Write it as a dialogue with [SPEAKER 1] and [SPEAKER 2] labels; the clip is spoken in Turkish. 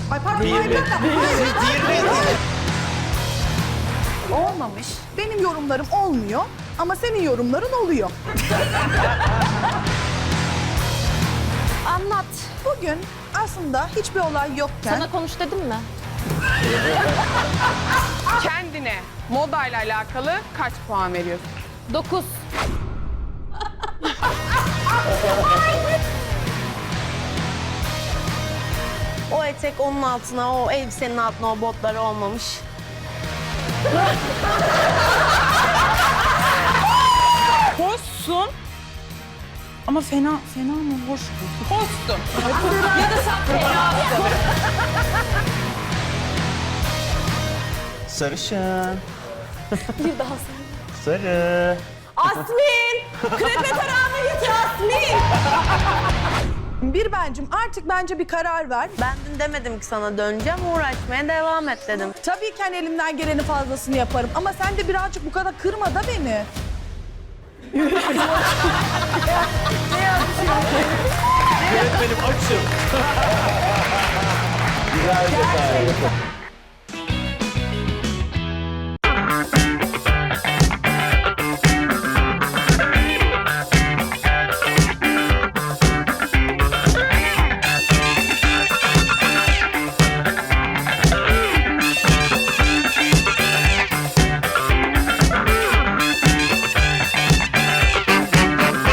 [SPEAKER 1] Ay pardon.
[SPEAKER 2] Değil mi? Değil mi?
[SPEAKER 1] Olmamış. Benim yorumlarım olmuyor ama senin yorumların oluyor.
[SPEAKER 3] Anlat.
[SPEAKER 1] Bugün aslında hiçbir olay yokken...
[SPEAKER 3] Sana konuş dedim mi?
[SPEAKER 4] Kendine modayla alakalı kaç puan veriyorsun?
[SPEAKER 3] 9.
[SPEAKER 5] O etek onun altına, o elbisenin altına o botları olmamış.
[SPEAKER 4] Hoşsun. Ama fena mı? Hoş. Hoşsun.
[SPEAKER 2] Sarışın.
[SPEAKER 3] Bir daha sen.
[SPEAKER 2] Sarı.
[SPEAKER 5] Asmin! Krepe tarağına git Asmin!
[SPEAKER 1] Bir bencim artık bence bir karar ver.
[SPEAKER 5] Ben dün demedim ki sana döneceğim, uğraşmaya devam et dedim.
[SPEAKER 1] Tabii ki hani elimden gelenin fazlasını yaparım ama sen de birazcık bu kadar kırma da beni.
[SPEAKER 2] Öğretmenim açım. Güzel bir